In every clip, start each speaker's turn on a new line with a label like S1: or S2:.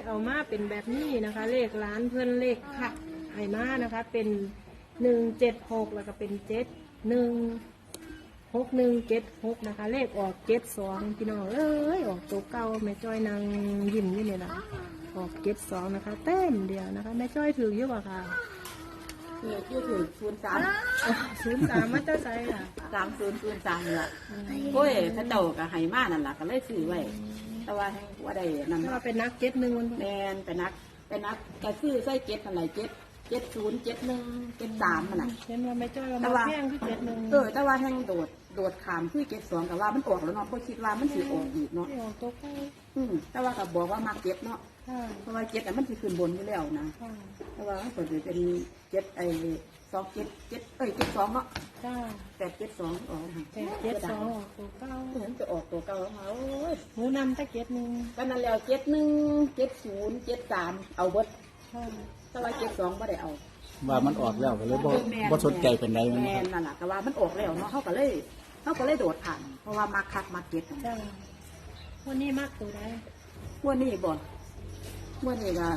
S1: เอามาเป็นแบบนี้นะคะ เลขร้านเพื่อนเลขค่ะไห้มานะคะ เป็น176แล้วก็เป็น716176นะคะ เลขออก72พี่น้องเอ้ยออกตัวเก่าแม่จ้อยนางยิ้มอยู่เนี่ยนะออก72นะคะเต้มเดียวนะคะแม่จ้อยถือเยอะกว่าค่ะ
S2: คือถือ
S1: 03มาจะใส่ค่ะ
S2: 3003นี่ล่ะโอ้ยถ้าเจ้าก็ให้มานั่นล่ะก็เลยซื้อไว้แต่ว่าให้ว่าได้นั่น
S1: ถ้าเป็นนัก71มัน
S2: แม่นไปนักก็ซื้อใส่7นั่นแหละ707173มันน่ะ
S1: เห็นว่าแม่จ้อยว่ามาแพงคือ71
S2: แต่ว่าแห่งโดดขามคือ72ก็ว่ามันออกแล้วเนาะเพราะคิดว่ามันสิออกอีกเนาะ
S1: ออกตัวเก่า
S2: แต่ว่าก็บอกว่ามาเก็บเนาะ
S1: ค่ะ
S2: เพราะว่า7น่ะมันสิขึ้นบนอยู่แล้วนะ
S1: ค่ะ
S2: แต่ว่ามันเปิดเป็น772เนาะ
S1: จ้า
S2: 872ออก
S1: 72ออกตัวเก่า
S2: เห็นจะออกตัวเก่าแล้วโอ้ย
S1: หมูนำตะเกียบหนึ่ง
S2: ก็นั่นแล้ว71 70 73เอาเบิด
S1: ค่ะ
S2: แต่ว่า72บ่ได้เอา
S3: ว่ามันออกแล้วก็เลยบ่สนใจเป็นไรมัน
S2: แม่
S3: ครับ
S2: นั่นแหละแต่ว่ามันออกแล้วเนาะเขาก็เลยโดดผ่านเพราะว่ามาคักมาเก็ต
S1: จ้าวันนี้มากตัวได้
S2: เมื่อนี้บ่เมื่อนี้ก็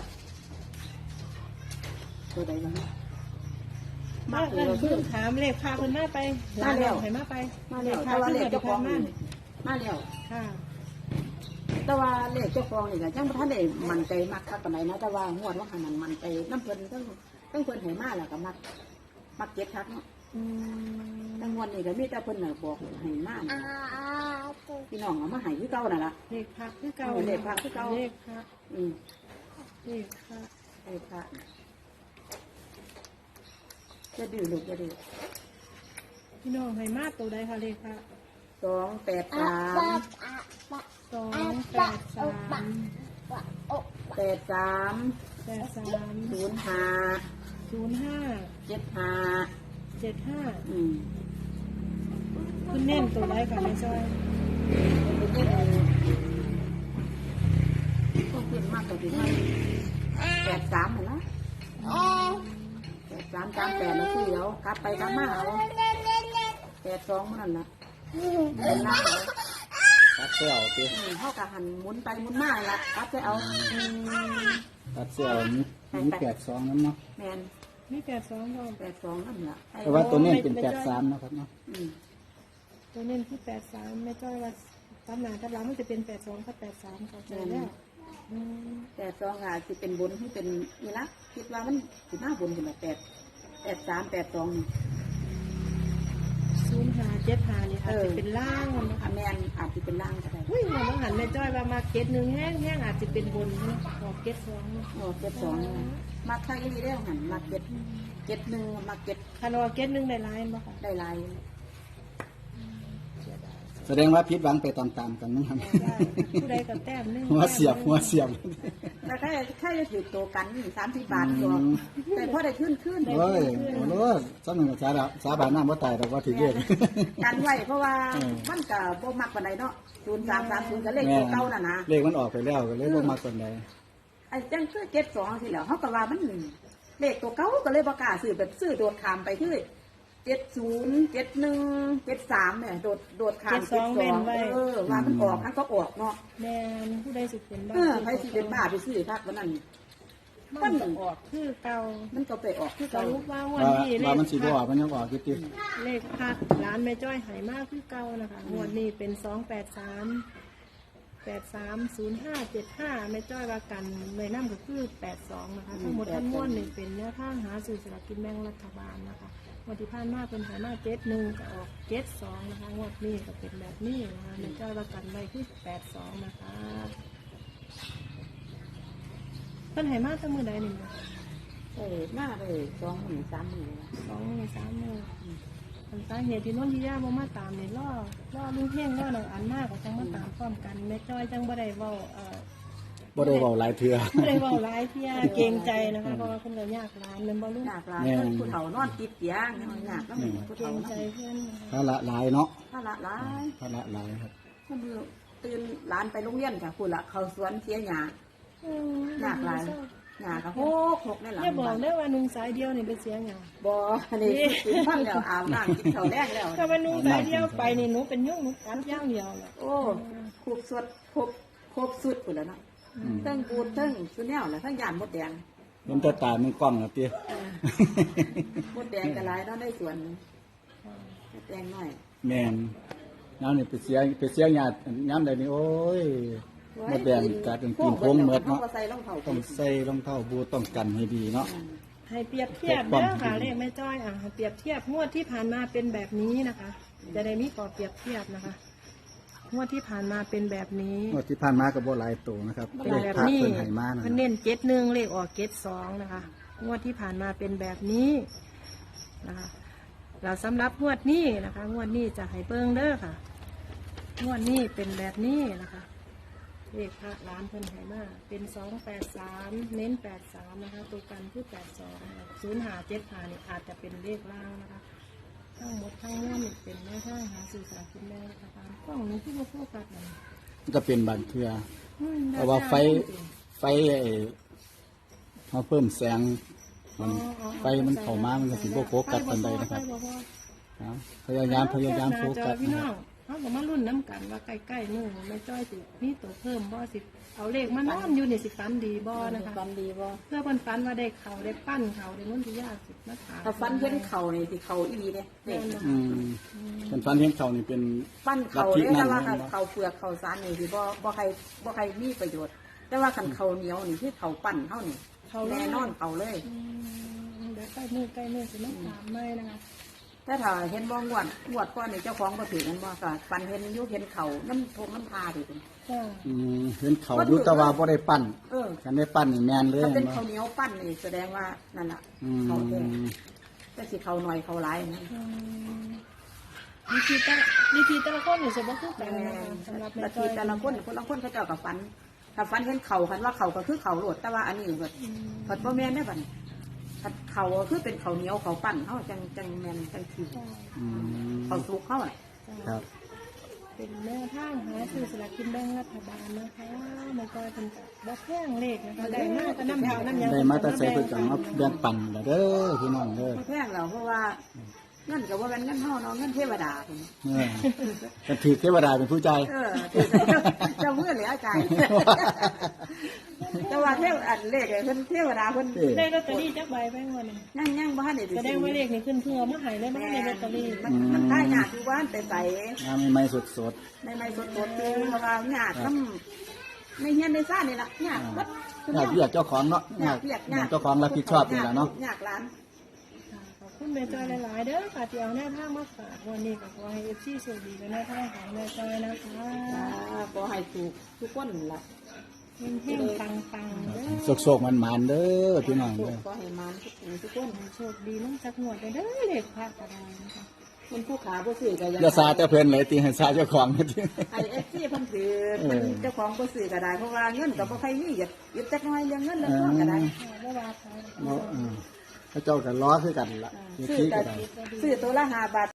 S2: ตัวใดบ้าง
S1: มากเลยเพิ่งถามเลขพาคนมาไปมาแล้วให้มาไป
S2: มาแล้วแต่ว่าเลขเจ้าของนี่มาแล้ว
S1: ค่ะ
S2: แต่ว่าเลขเจ้าของนี่ก็จังบ่ทันได้มั่นใจมากคักปานใดนะแต่ว่างวดว่าหันนั้นมั่นใจน้ำเพิ่นทั้งเพิ่นให้มาแล้วก็มักเก็ตคักเนาะ
S1: อืม
S2: แต่งวดนี้ก็มีแต่เพิ่นน่ะบอกให้มาพี่น้องเอามาให้คือเก่านั่นล่ะ
S1: เลขพักคือเก่า
S2: เลขพระคือเก่า
S1: เลขพัก
S2: อืม
S1: เลขพัก
S2: ไอ้พระจะดื้อลูกจะดื้อ
S1: พี่น้องให้มาตัวใดคะเลขพัก
S2: 283
S1: 283
S2: 83 05 75
S1: 75
S2: อืม
S1: คุณเน้นตัวใดคะแม่จ้อย
S2: ต้องขึ้นมากกว่าที่83เหรอนะ83 38แล้วคือเดี๋ยวกลับไปกลับมาเอา82มันนั่นล่ะเป็นล่างเอา
S3: ตัดเสื้อเอาติ
S2: เขากะหันหมุนไปหมุนมาละกลับไปเอา
S3: ตัดเสื้อมี82นั้นเนาะ
S2: แมน
S1: มี82พร้อม
S2: 82นั่นล่ะ
S3: แต่ว่าตัวนี้เป็น83นะครับเนาะ
S1: ตัวเน้นที่83แม่จ้อยว่าตามหลังตามหลังมันจะเป็น82กับ83เข้าใจแล้วอืม
S2: 82ค่ะสิเป็นบนที่เป็นนี่ละคิดว่ามันสิหน้าบนเป็นแบบ83 82นี่
S1: 0575นี่อาจจะเป็นล่างนะคะ
S2: แมนอาจจะเป็นล่างก็ได้
S1: อุ้ยมันต้องหันแม่จ้อยว่ามาเก็ตหนึ่งแห้งอาจจะเป็นบนนะออกเก็ตสอง
S2: โอ้72นี่มาทางนี้ได้หันมา71มาเก็ต
S1: คันว่าเก็ตหนึ่งได้ลายบ่ค่ะ
S2: ได้ลาย
S3: แสดงว่าผิดหวังไปตามๆกันนะครับ
S1: ได้ผู้ใดก็แต้มหนึง
S3: หัวเสียบ
S2: แต่แค่จะถือตัวกัน30 บาทตัวแต่พอได้ขึ้น
S3: โอ้ยโอ้โหซ้ำหนึ่งกับสาบานน้ำว่าตายแต่ว่าถือเยอะ
S2: กันไว้เพราะว่ามันก็บ่มักปานใดเนาะ0330ก็เลขตัวเก่าน่ะนะ
S3: เลขมันออกไปแล้วก็เลยบ่มากคนใด
S2: ไอ้จังคือเก็ต2สิแล้วเขาก็ว่ามันเลขตัวเก่าก็เลยบ่กล้าซื้อแบบซื้อโดดขามไปคือ70 71 73เนี่ยโดดขาม72ว่ามันออกมันก็ออกเนาะ
S1: แม่นผู้ใดสิเป็นบ้า
S2: ใครสิเป็นบ้าไปซื้อคักวันนั้น
S1: มันก็ออกคือเก่า
S2: มันก็ไปออกคือ
S1: ส
S2: เก่า
S1: รุปว่าวันนี้เล
S3: ว่า
S1: ข
S3: มันสิบ่ออกมันยังออกอยู่ติ
S1: เลขพักร้านแม่จ้อยหายมากคือเก่านะคะงวดนี้เป็น283 830575แม่จ้อยว่ากันเลยน้ำก็คือ82นะคะทั้งหมดทั้งมวลนี่เป็นแนวทางหาซื้อสลากกินแบ่งรัฐบาลนะคะงวดที่ผ่านมาเป็นหายมา71ก็ออก72นะคะงวดนี้ก็เป็นแบบนี้นะคะแม่จ้อยว่ากันไว้คือ82นะคะเพิ่นหายมาตั้งมือใดนี่นะ
S2: มาเลย2 มื้อ3 มื้อ
S1: 2 มือ3 มืออันสาเหตุที่น้นที่ย่าบ่มาตามนี่ล่อลุงเพ่งล่อหนังอันมากก็จังมาตามพร้อมกันแม่จ้อยจังบ่ได้เว้า
S3: บ่ได้เว้าหลายเทื่อ
S1: บ่ได้เว้าหลายเที่ยเกรงใจนะคะเพราะว่าเพิ่นก็ยากหลายแม่นบ่ลุง
S2: ยากหลายผู้เฒ่านอนติดเตียงยากแล้วผู้
S1: เกร
S2: เฒ่าง
S1: ใจเพิ่นนะคะ
S3: ภาระหลายเนาะ
S2: ภาระหลาย
S3: ภาระหลายครับ
S2: มือตื่นหลานไปโรงเรียนจ้ะคุณละเขาสวนเสียหยาหยากหลายหยากก็หกนี่แหละ
S1: อย่าบอกเด้อว่านุ่งสายเดียวนี่เป็นเสียงหยัง
S2: บ่นี่กินพันแล้วอาบน้ำกินข้าวแรกแล้ว
S1: ถ้าว่านุ่งสายเดียวไปนี่หนูเป็นยุ่งหนูกัดอย่างเดียวแหละ
S2: โอ้ครบสุดครบสุดคุณแล้วเนาะเทิงปูดเทิงสุแนวน่ะเทิงย่านมดแดง
S3: เห็นแต่ตามันกล้องอ่ะติ
S2: มดแดงก็หลายเนาะในสวนมดแดงน้อย
S3: แม่นน้ำนี่ไปเสียญาติย้ำใดนี่โอ้ยมดแดงกัดจนกินพงเหมือดเนาะ
S2: ก็ใส่รองเท้า
S3: ต้องใส่รองเท้าบูทต้องกันให้ดีเนาะ
S1: ให้เปรียบเทียบเด้อค่ะเลขแม่จ้อยให้เปรียบเทียบงวดที่ผ่านมาเป็นแบบนี้นะคะ จะได้มีข้อเปรียบเทียบนะคะงวดที่ผ่านมาเป็นแบบนี้
S3: งวดที่ผ่านมาก็บ่หลายตัวนะครับ
S1: เป็น
S3: เลข
S1: แบบ
S3: พระ
S1: นี้
S3: เพิ่นให้มานะ
S1: เพิ่นเน้น71เลขออก72นะคะงวดที่ผ่านมาเป็นแบบนี้นะคะเราสำหรับงวดนี้นะคะงวดนี้จะให้เบิ่งเด้อค่ะงวดนี้เป็นแบบนี้นะคะเลขพระร้านเพิ่นให้มาเป็น283เน้น83นะคะตัวกันคือ82 0575นี่อาจจะเป็นเลขล่างนะคะทั้งหมดทั้งมวลนี่เป็นแม่ทางหาสื่อสารกินแม่รัฐบาลกล้องนี้ที่มาโฟกัสนั่น
S3: มันก็เป็นบางเทื่อ เพราะว่าไฟไเขาเพิ่มแสงมันไฟมันเข้ามามันก็สิบ่โฟกัสปานใดนะครับครับพยายามโฟกัส
S1: พี่
S3: นะ
S1: น้
S3: ค
S1: อ
S3: รับ
S1: งเขาก็มารุ่นน้ำกันว่าใกล้ๆนู่นไม่จ้อยสิมีตัวเพิ่มบ่สิเอาเลขมานอนอยู่นี่สิฟันดีบ่นะคะ
S2: ฟันดีบ่
S1: เพื่อเพิ่นฟันว่าได้เขาได้ปั้นเขาได้นุ่นที่ยากสิมาถาม
S2: ถ้าฟันเห็นเข่านี่สิเข่าอีเนี่ยนี่
S3: อืมเป็นฟันเห็นเขานี่เป็น
S2: ฟันเข่า
S3: ลัทธิ
S2: เนี่ย
S3: นั่น
S2: แต่ว่า
S3: แม่นบ่
S2: เข่าเปลือกเข่าสารนี่สิบ่ใครมีประโยชน์ แต่ว่าคันเข่าเหนียวนี่คือเข่าปั่นเท่านี่
S1: เขา
S2: แน่นอนเข่าเลย
S1: เดี๋ยวใกล้มือสิมาถามไม่นะคะ
S2: แต่ถ้าเห็นบ่งวดก้อนนี่เจ้าของบ่ถือกันบ่ก็ฟันเห็นอยู่เห็นเข่าน้ำทงน้ำพาดิคุณ
S1: จ้า
S3: อืมเห็นเขาอยู่แต่ว่าบ่ได้ปั้น
S2: เออ
S3: กันได้ปั้นนี่แม่นเลย
S2: ถ้าเป็น
S3: บ่
S2: ข้าวเหนียวปั้นนี่แสดงว่านั่นแหละ
S3: อื
S2: เขาแท้
S3: ม
S2: แต่สิเขาหน่อยเขาหลายนั่น
S1: วิธีแต่ละคนนี่สิบ่คือกันนะคะสำหรับแม่
S2: แต่
S1: จ้
S2: ที
S1: อย
S2: แต่ละคนเขาเจ้ากับฟัน ถ้าฟันเห็นเข่าคันว่าเข่าก็คือเข่าโหลดแต่ว่าอันนี้แบบผัดบ่แม่นได้บัดผัดเข่าก็คือเป็นข้าวเหนียวเขาปั้นเขาจังแม่นจังที
S3: อืม
S2: เขาสุกเขาอ่ะ
S3: ครับ
S1: เป็นแม่ทางหาซื้อสลากกินแบ่งรัฐบาลนะคะแม่จ้อยเป็นกับบ่แพงเลขนะคะได้มากก็น้ำเท่าน้ำยัง
S3: ได้มาแต่ใส่เพิ่นก็มาแบ่งปันล่ะเด้อพี่น้องเด้อ
S2: บ่แพงเราเพราะว่าเงินกับว่าเป็นเงินเฮาเนาะเงินเทวดาคุณ
S3: เออกันถือเทวดาเป็นผู้ใจาย
S2: ถือเจ้าเมื่อเหลือใจแต่ว่าเทวอันเลขเพิ่นเทวดาเพิ่น
S1: ได้ลอตเตอรี่จักใบแบงค์วันนี้
S2: ยังบ่ทันได้
S1: แสดงว่าเลขนี่ขึ้นเพื่อมาใหายได้มาในลอตเตอรี่
S2: มันได้ยากอยู่บ้านแต่ใส่
S3: งานใหม่ๆสด
S2: ในไม้สดๆคือเพราะว่ายากนำในเฮียนในซ่านนี่ล่ะยากวัด
S3: ๆอยากเรียกเจ้าของเนาะอยากเจ้าของรับผิดชอบนี่ล่ะเนาะ
S2: ยากหลาน
S1: ขอบคุณแม่จอยหลายๆเด้อค่ะที่เอาแนวทางมาฝากวันนี้ก็ขอให้เอฟซีโชคดีกับแนวทางของแม่จอยนะคะ
S2: ขอให้ถูกทุกคนล่ะ
S1: เฮงๆปังๆเด้อ
S3: โศกๆมันๆเด้อพี่น้องเด้อ
S2: ขอให้มันทุกคน
S1: โชคดีน้องจักหนวดเด้อเลขพระกระดานนะคะ
S2: มันผู้ขาบ่ซื้อก็
S3: อย่าซาแต่เพิ่นเลยติให้ซาเจ้าของติ
S2: ไอ้FC เพิ่นถือเพิ่นเจ้าของบ่ซื้อก็ได้เพราะว่าเงินก็บ่ใครมียึดจักหน่อยเรื่องเงินเรื่องทองก็ได้
S1: บ่ว่าใคร
S3: เนาะเขาเจ้าก็ล้อคือกันล่ะ
S2: ซื้อ
S3: ที่
S2: แต่
S3: ก็ได้
S2: ซื้อตัวละ5 บาท